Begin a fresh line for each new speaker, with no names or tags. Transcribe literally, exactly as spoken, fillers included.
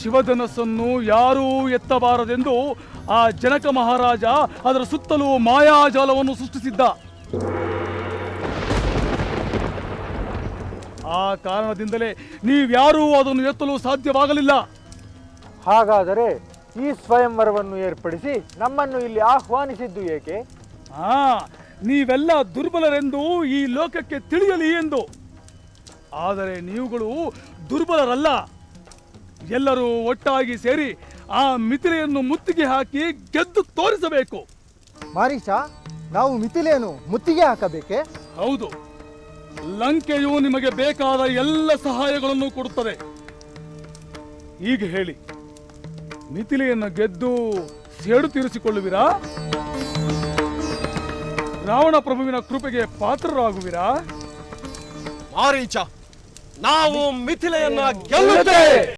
ಶಿವಧನಸ್ಸನ್ನು ಯಾರೂ ಎತ್ತಬಾರದೆಂದು ಆ ಜನಕ ಮಹಾರಾಜ ಅದರ ಸುತ್ತಲೂ ಮಾಯಾಜಾಲವನ್ನು ಸೃಷ್ಟಿಸಿದ್ದ. ಆ ಕಾರಣದಿಂದಲೇ ನೀವ್ಯಾರೂ ಅದನ್ನು ಎತ್ತಲು ಸಾಧ್ಯವಾಗಲಿಲ್ಲ.
ಹಾಗಾದರೆ ಈ ಸ್ವಯಂವರವನ್ನು ಏರ್ಪಡಿಸಿ ನಮ್ಮನ್ನು ಇಲ್ಲಿ ಆಹ್ವಾನಿಸಿದ್ದು ಏಕೆ?
ಹಾ, ನೀವೆಲ್ಲ ದುರ್ಬಲರೆಂದು ಈ ಲೋಕಕ್ಕೆ ತಿಳಿಯಲಿ ಎಂದು. ಆದರೆ ನೀವುಗಳು ದುರ್ಬಲರಲ್ಲ. ಎಲ್ಲರೂ ಒಟ್ಟಾಗಿ ಸೇರಿ ಆ ಮಿಥಿಲೆಯನ್ನು ಮುತ್ತಿಗೆ ಹಾಕಿ ಗೆದ್ದು ತೋರಿಸಬೇಕು.
ಮಾರೀಚ, ನಾವು ಮಿಥಿಲೆಯನ್ನು ಮುತ್ತಿಗೆ ಹಾಕಬೇಕೆ?
ಹೌದು, ಲಂಕೆಯು ನಿಮಗೆ ಬೇಕಾದ ಎಲ್ಲ ಸಹಾಯಗಳನ್ನು ಕೊಡುತ್ತದೆ. ಈಗ ಹೇಳಿ, ಮಿಥಿಲೆಯನ್ನು ಗೆದ್ದು ಸೇಡು ತೀರಿಸಿಕೊಳ್ಳುವಿರಾ? ರಾವಣ ಪ್ರಭುವಿನ ಕೃಪೆಗೆ ಪಾತ್ರರಾಗುವಿರಾ?
ಮಾರೀಚ, ನಾವು ಮಿಥಿಲೆಯನ್ನ ಗೆಲ್ಲುತ್ತೇವೆ.